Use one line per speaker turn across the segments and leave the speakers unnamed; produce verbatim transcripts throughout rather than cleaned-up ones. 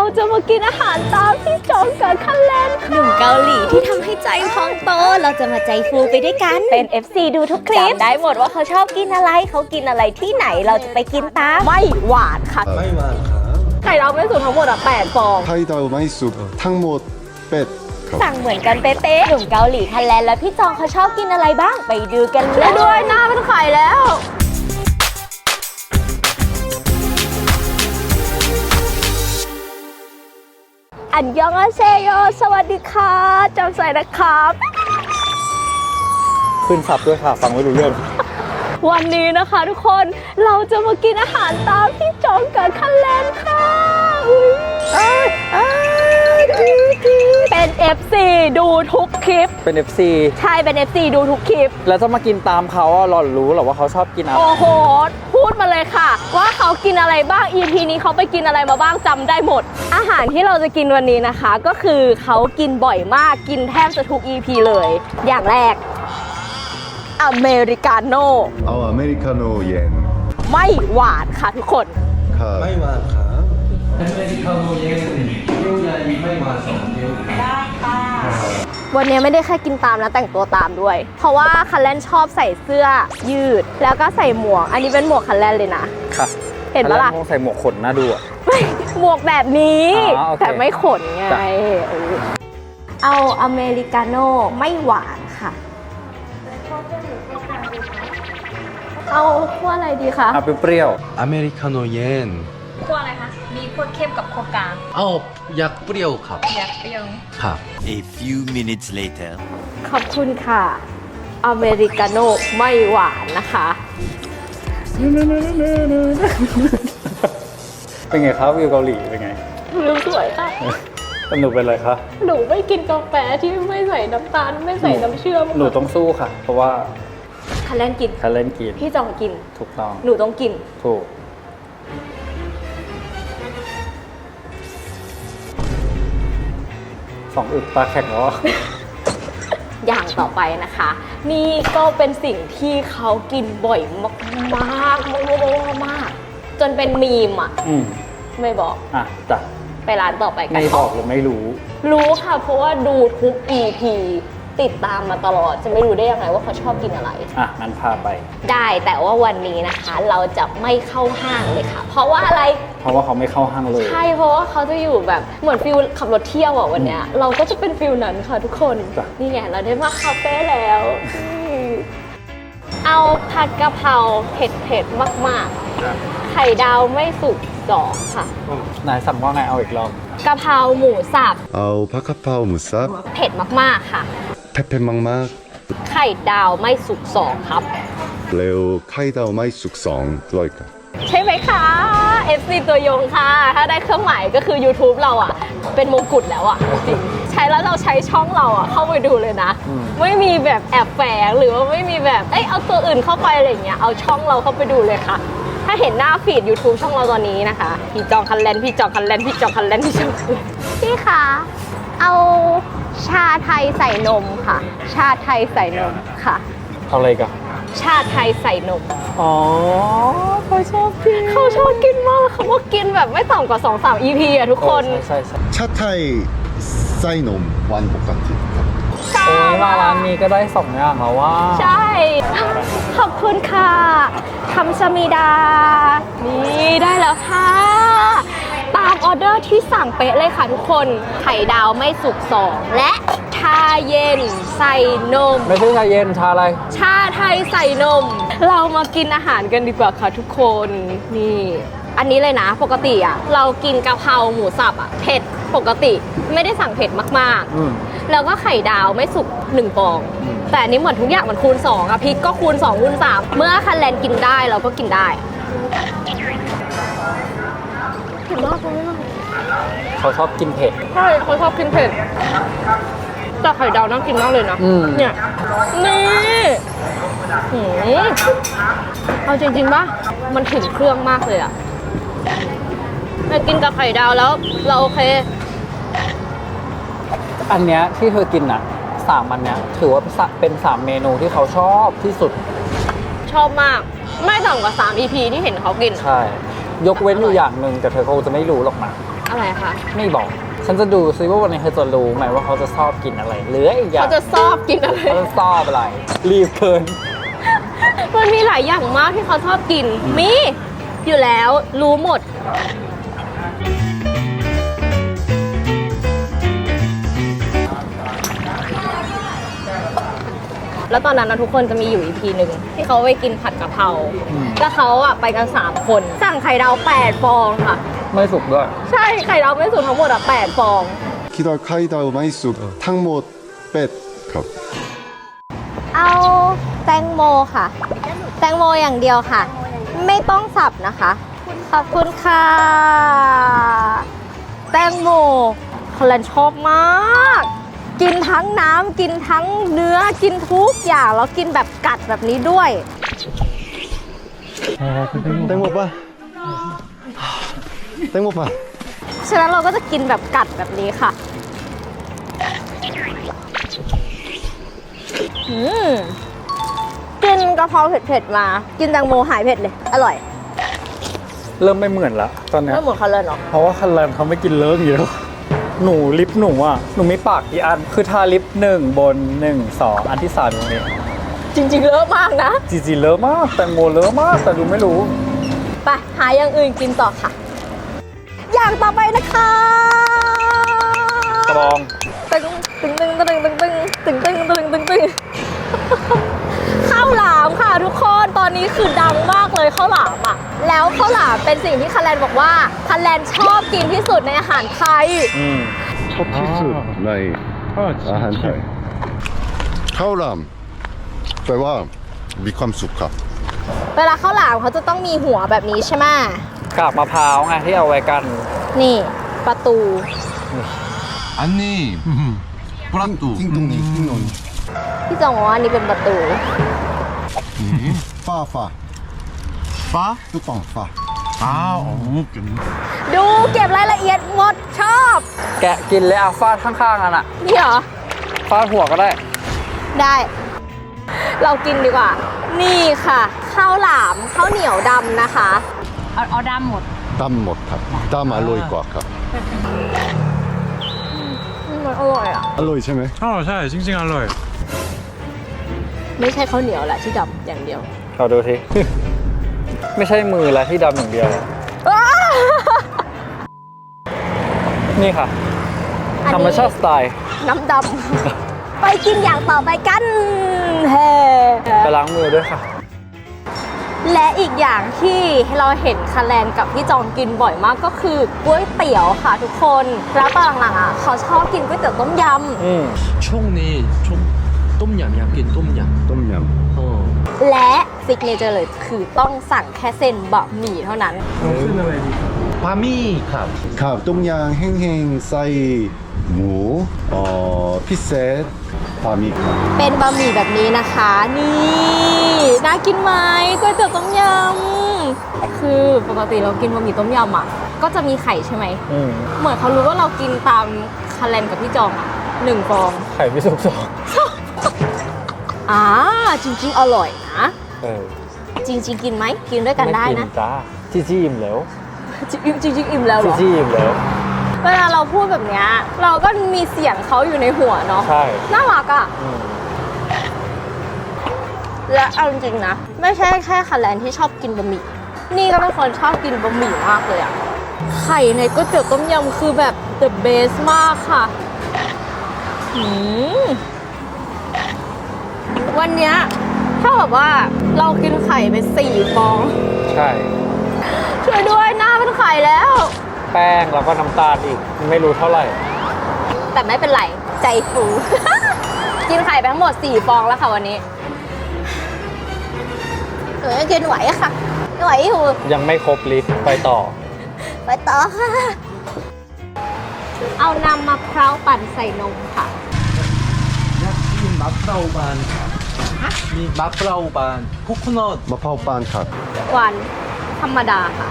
จะมากินอาหารตามที่จองกับคันแลนหนุ่มเกาหลีที่ทำให้ใจพองโตเราจะมาใจฟูไปด้วยกันเป็น เอฟ ซี ดูทุกคลิปจำได้หมดว่าเขาชอบกินอะไรเขากินอะไรที่ไหนเราจะไปกินตามไม่หวานค่ะ
ไม่หวานครับ
ไข่ดาวไม่สุดทั้งหมดอ่ะแปดฟอง
ไข่ดาวไม่สุกทั้งหมดเป็ดครับ
สั่งเหมือนกันเป๊ะๆหนุ่มเกาหลีคันแลนแล้วพี่จองเขาชอบกินอะไรบ้างไปดูกันเลยด้วยหน้าเป็นไข่แล้วอันยองอาเซโยสวัสดีค่ะจำใส่นะครับ
ขึ้นสับด้วยค่ะ ฟังไม่รู้เรื่อง
วันนี้นะคะทุกคนเราจะมากินอาหารตามที่จองกับคันแลนค่ะอุ๊ยอ้ายอ้ายเป็น เอฟ ซี ดูทุกคลิป
เป็น เอฟ ซี
ใช่เป็น เอฟ ซี ดูทุกคลิป
แล้วจะมากินตามเขาอ่ะหล่อนรู้เหรอว่าเขาชอบกินอะไร
โอ้โห พูดมาเลยค่ะ ว่าเขากินอะไรบ้าง อี พี นี้เขาไปกินอะไรมาบ้างจำได้หมด อาหารที่เราจะกินวันนี้นะคะ ก็คือเขากินบ่อยมากกินแทบจะทุก อี พี เลย อย่างแรกอเมริกาโน่
เอาอเมริกาโน่เย็น
ไม่หวานค่ะทุกคน
ครับ
ไม่หวานครับ
วันนี้ไม่ได้แค่กินตามนะแต่งตัวตามด้วย เพราะว่าคันแลนชอบใส่เสื้อยืด แล้วก็ใส่หมวก อันนี้เป็นหมวกคันแลนเลยนะ
ค่ะ
เห็นปะล่ะ
คงใส่หมวกขนน่าดูอ่ะ
ไม่หมวกแบบนี้
อ๋อโอเค
แต่ไม่ขนไง
จ้ะ
เออเอาอเมริกาโน่ไม่หวานค่ะ เอาขั้วอะไรดีคะ
เอาเปรี้ยว
อเมริกาโน่เย็น
ขั้วอะไรคะ มีขั้วเข้มกับขั้วกลาง
เอาอยากเปรี้ยวครับ
อยากเปรี้ยว
ครับ
A few minutes later.
ขอบคุณค่ะ อเมริกาโน่ไม่หวานนะคะ
ๆเป็นไงครับวิวเกาหลีเป็นไง
วิวสวยค่ะ
สนุกเป็นไรคะ
หนูไม่กินกาแฟที่ไม่ใส่น้ำตาลไม่ใส่น้ำเชื่อม
หนูต้องสู้ค่ะ เพราะว่า
คันแลนกิน
คันเล่นกิน
พี่จองกิน
ถูกต้อง
หนูต้องกิน
ถูกสองอึกปลาแข็งแล้วอะ
อย่างต่อไปนะคะ นี่ก็เป็นสิ่งที่เขากินบ่อยมากมากมากมากมากจนเป็นมีมอ่ะ
อืม
ไม่บอก
อ่ะจ้ะ
ไปร้านต่อไปกัน
ไม่บอกหรือไม่รู้
รู้ค่ะ เพราะว่าดูทุก อี พี ติดตามมาตลอด จะไม่รู้ได้ยังไงว่าเขาชอบกินอะไร
อ่ะงั้นพาไป
ได้แต่ว่าวันนี้นะคะ เราจะไม่เข้าห้างเลยค่ะ เพราะว่าอะไร
เพราะว่าเขาไม่เข้าห้างเลย
ใช่เพราะว่าเขาจะอยู่แบบเหมือนฟิลขับรถเที่ยวอ่ะวันเนี้ยเราก็จะเป็นฟิลนั้นค่ะทุกคน
จ้ะ
นี่ไงเราได้มาคาเฟ่แล้วอืมเอาผัดกะเพราเผ็ดเผ็ดๆมากๆ ไข่ดาวไม่สุกสองค่ะ
นายสั่งว่าไงเอาอีกรอบ
กะเพราหมูสับ
เอาผักกะเพราหมูสับ
เผ็ดมากๆค่ะ
เผ็ดๆมาก
ไข่ดาวไม่สุกสองครับ
ๆแล้วไข่ดาวไม่สุกสองด้วยครับ
ใช่ไหมคะ เอฟ ซี ตัวยงค่ะ ถ้าได้เครื่องหมายก็คือ YouTube เราอ่ะ เป็นมงกุฎแล้วอ่ะจริงใช้แล้วเราใช้ช่องเราอ่ะ เข้าไปดูเลยนะ
อืม
ไม่มีแบบแอบแฝงหรือว่าไม่มีแบบเอ้ยเอาตัวอื่นเข้าไปอะไรอย่างเงี้ยเอาช่องเราเข้าไปดูเลยค่ะ ถ้าเห็นหน้าฟีด YouTube ช่องเราตอนนี้นะคะ พี่จองคันแลนพี่จองคันแลนพี่จองคันแลนพี่จองคันแลนพี่คะเอาชาไทยใส่นมค่ะ ชาไทยใส่นมค่ะ
เอาอะไรกัน
ชาไทยใส่นม
อ๋อเขาชอบกิน
เขาชอบกินมากเขาว่ากินแบบไม่ต่ำกว่าสองสาม อี พี อะทุกคน
เออใช่ใช่ใช่
ชาไทยไส้นมหวานปกติครับ
ชา
โอ้ยมาร้านนี้ก็ได้สองอย่างแล้วว่า
ใช่ ขอบคุณค่ะคำสมิดา นี่ได้แล้วค่ะ ตามออเดอร์ที่สั่งเป๊ะเลยค่ะทุกคน ไข่ดาวไม่สุกสองและชาเย็นใส่นม
ไม่ใช่ชาเย็นชาอะไร
ชาไทยใส่นม เรามากินอาหารกันดีกว่าค่ะทุกคน นี่ อันนี้เลยนะ ปกติอ่ะ เรากินกะเพราหมูสับอ่ะ เผ็ดปกติไม่ได้สั่งเผ็ดมาก
อืม
ๆ แล้วก็ไข่ดาวไม่สุกหนึ่งฟอง
อืม
แต่อันนี้เหมือนทุกอย่างมันคูณสองอะพริกก็คูณสองคูณสามเมื่อคันแลนกินได้เราก็กินได้เผ็ดมากเลย
เขาชอบกินเผ็ด
ใช่เขาชอบกินเผ็ดแต่ไข่ดาวน่ากินมากเลยนะ
อืม
เนี่ย นี่หืมเอาจริงๆป่ะ มันถึงเครื่องมากเลยอะไปกินกับไข่ดาวแล้ว เราโอเค
อันเนี้ยที่เธอกินอ่ะสามอันเนี้ยถือว่าเป็นสามเมนูที่เขาชอบที่สุด
ชอบมาก ไม่ต่ำกว่าสาม อี พี ที่เห็นเขากิน
ใช่ ยกเว้นอยู่อย่างหนึ่งแต่เธอคงจะไม่รู้หรอกนะ
อะไรคะ
ไม่บอก ฉันจะดูซิว่าวันนี้เธอจะรู้ไหมว่าเขาจะชอบกินอะไรหรืออีกอย่าง
เขาจะชอบกินอะไร
เขาจะชอบอะไร รีบเกิน
มันมีหลายอย่างมากที่เขาชอบกิน มี อยู่แล้วรู้หมด แล้วตอนนั้นนะทุกคนจะมีอยู่อีพีหนึ่งที่เขาไปกินผัดกะเพรา
อืม
แล้วเขาอะไปกัน สาม คน สั่งไข่ดาวแปดฟองค่ะ
ไม่สุกด้วย
ใช่ไข่ดาวไม่สุกทั้งหมดอะแปดฟอง
기다 카이다우 마이쑥 탕모 뱃 컵.
เอาแตงโมค่ะ แตงโมอย่างเดียวค่ะ ไม่ต้องสับนะคะ ขอบคุณค่ะ แตงโมคอลันชอบมาก กินทั้งน้ำกินทั้งเนื้อกินทุกอย่าง แล้วกินแบบกัดแบบนี้ด้วย
땡모빠. 땡모빠.
ฉะนั้นเราก็จะกินแบบกัดแบบนี้ค่ะ อืมกินกะเพราเผ็ดๆมา กินแตงโมหายเผ็ดเลย อร่อย
เริ่มไม่เหมือนละตอนเนี้ย
ไม่เหมือนเขาเลยเนาะ
เพราะว่าคันแรมเขาไม่กินเลิกอยู่แล้วหนูลิปหนูอ่ะ หนูมีปากกี่อัน คือทาลิปหนึ่งบนหนึ่งสองอันที่สามตรงนี้
จริงๆเลอะมากนะ
จีจีเลอะมาก แตงโมเลอะมาก แต่ดูไม่รู้
ไปหาอย่างอื่นกินต่อค่ะ อย่างต่อไปนะคะ
กระบอง
ตึงตึงตึงตึงตึงตึงตึงตึงตึงตึงตึงข้าวหลามค่ะทุกคนตอนนี้คือดังมากเลยข้าวหลามอ่ะแล้วข้าวหลามเป็นสิ่งที่คันแลนบอกว่าคันแลนชอบกินที่สุดในอาหารไทย
อืม
첫 필수 나이 아한 타이. 카오람 빼와 미캄 수카.
เวลาข้าวหลามเขาจะต้องมีหัวแบบนี้ใช่ไหม
กากมะพร้าวไงที่เอาไว้กัน
นี่ประตู
안님 브라뚜
띵동니 띵동니.
พี่จองบอกว่าอันนี้เป็นประตู
파 파.
빠?
뚜껑 파.
아 어묵.
ดูเก็บรายละเอียดหมดชอบ
แกะกินเลยอ่ะฟาดข้างๆกันอ่ะ
นี่เหรอ
ฟาดหัวก็ได้
ได้ เรากินดีกว่า นี่ค่ะข้าวหลามข้าวเหนียวดำนะคะ เอาเอาดำหมด
땀 못합. 땀 알로이 꽉합.
มันอร่อยอ่ะ
알로이 채매.
어, 잘 징징 알로이.
ไม่ใช่ข้าวเหนียวแหละที่ดำอย่างเดียว
เราดูที ไม่ใช่มือละที่ดำอย่างเดียว นี่ค่ะ
อันนี้
ธรรมชาติสไตล์
น้ำดำ ไปกินอย่างต่อไปกันเฮ้
ไปล้างมือด้วยค่ะ
และอีกอย่างที่เราเห็นคาแลนกับพี่จองกินบ่อยมากก็คือก๋วยเตี๋ยวค่ะทุกคน แล้วตอนหลังๆอ่ะเขาชอบกินก๋วยเตี๋ยวต้มย
อืม
총이 좀 똠얌 약긴 똠얌
똠얌.
어
ำและซิกเนเจอร์เลยคือต้องสั่งแค่เส้นบะหมี่เท่านั้น
바미 컵.
갑 동양 행행 싸이 무 어 피셋 바미 컵.
เป็นบะหมี่แบบนี้นะคะ นี่น่ากินไหมก๋วยเตี๋ยวต้มยำคือปกติเรากินบะหมี่ต้มยำอ่ะก็จะมีไข่ใช่ไหม
อืม
เหมือนเขารู้ว่าเรากินตามคาแลนกับพี่จองอ่ะหนึ่งฟอง
ไข่ไม่สุกสอง
อ่าจริง ๆ อร่อยนะ
เออ
จริง ๆ กินไหมกินด้วยกันได้
ม่
นะ
จ้าจีจี้อิ่มแล้ว
จริงจริงๆอิ่มแล้วเห
จี
รอ
จี้อิ่มแล้ว
เวลาเราพูดแบบเนี้ยเราก็มีเสียงเขาอยู่ในหัวเนาะ
ใช่
น่ารักอ่ะ
อืม
และเอาจริงๆนะ ไม่ใช่แค่คาแลนที่ชอบกินบะหมี่นี่ก็เป็นคนชอบกินบะหมี่มากเลยอ่ะไข่ในก๋วยเตี๋ยวต้มยำคือแบบ the best มากค่ะอืมวันเนี้ยถ้าแบบว่าเรากินไข่ไปสี่ฟอง
ใช่
ช่วยด้วยหน้าเป็นไข่แล้ว
แป้งแล้วก็น้ำตาลอีก ไม่รู้เท่าไหร่
แต่ไม่เป็นไร ใจฟู กินไข่ไปทั้งหมดสี่ฟองแล้วค่ะวันนี้หนูยังกินไหวอะค่ะไหวอยู่
ยังไม่ครบลิสต์ไปต่อ
ไปต่อค่ะ เอานำมะพร้าวปั่นใส่นมค่ะ
이 마프라우반 이 마프라우반 코코넛
마파오 빤 컵.
หวานธรรมดาค่ะ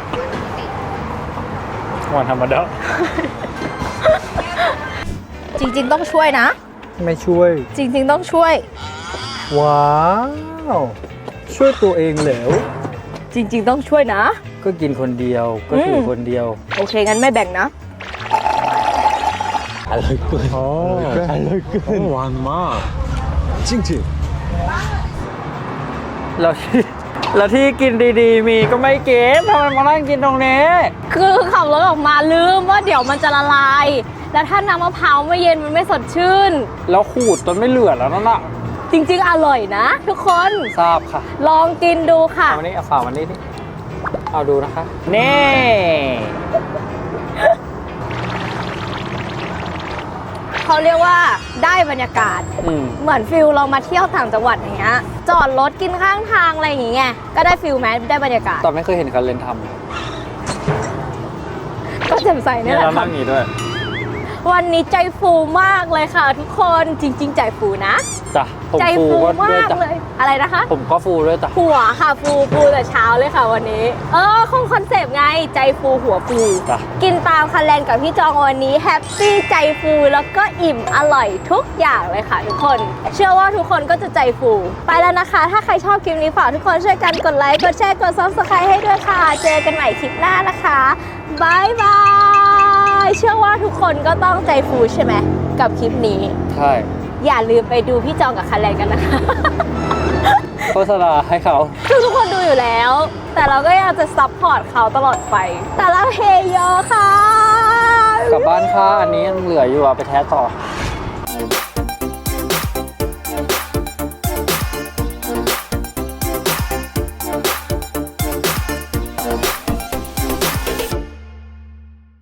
วันธรรมดา
จริงๆต้องช่วยนะ
ไม่ช่วย
จริงๆต้องช่วย
ว้าว ช่วยตัวเองแล้ว
จริงๆต้องช่วยนะ
ก็กินคนเดียวก็ถือคนเดียว
โอเคงั้นไม่แบ่งนะ
어, 어, 완마. 찡찡.
แล้วที่แล้วที่กินดีๆ มีก็ไม่เก็บทำไมมานั่งกินตรงนี้
คือขับรถออกมาลืมว่าเดี๋ยวมันจะละลาย แล้วถ้าน้ำมะพร้าวไม่เย็นมันไม่สดชื่น
แล้วขูดจนไม่เหลือแล้วนั่นน่ะ
จริงๆ อร่อยนะ ทุกคน
ทราบค่ะ
ลองกินดูค่ะ
เอาวันนี้เอาฝาวันนี้ดิเอาดูนะคะ นี่
เขาเรียกว่าได้บรรยากาศ
อืม
เหมือนฟิลเรามาเที่ยวต่างจังหวัดอย่างเงี้ย จอดรถกินข้างทางอะไรอย่างเงี้ย ก็ได้ฟิลไหมได้บรรยากาศ
ตอนไม่เคยเห็นคันเลนท
ก็แจ่มใส
ำ
นี่
เนี่ย
แหละ
เรา
ค่ะ
นั่งอย่างนี้ด้วย
วันนี้ใจฟูมากเลยค่ะ ทุกคนจริง ๆ ใจฟูนะ
จ้ะผม
ใจ
ฟู
ฟู
ก็ด้ว
มาย ก
จ้ะ
เลย อะไรนะคะ
ผมก็ฟูด้วยจ้ะ
หัวค่ะฟูฟูแต่เช้าเลยค่ะวันนี้ เออคงคอนเซปต์ไงใจฟูหัวฟู
จ้ะ
กินตามคันแลนกับพี่จองวันนี้แฮปปี้ใจฟูแล้วก็อิ่มอร่อยทุกอย่างเลยค่ะทุกคน เชื่อว่าทุกคนก็จะใจฟู ไปแล้วนะคะ ถ้าใครชอบคลิปนี้ฝากทุกคนช่วยกันกดไลค์กดแชร์กด ซับสไครบ์ ให้ด้วยค่ะ เจอกันใหม่คลิปหน้านะคะบายบายเชื่อว่าทุกคนก็ต้องใจฟูใช่ไหมกับคลิปนี้
ใช่
อย่าลืมไปดูพี่จองกับคันแลนกันนะคะ
โฆษณาให้เขา
คือทุกคนดูอยู่แล้ว แต่เราก็ยังจะซัพพอร์ตเขาตลอดไป แต่เราเฮเยอะค่ะ
กลับบ้านค่ะ อันนี้ยังเหลืออยู่อะไปแท้ต่อ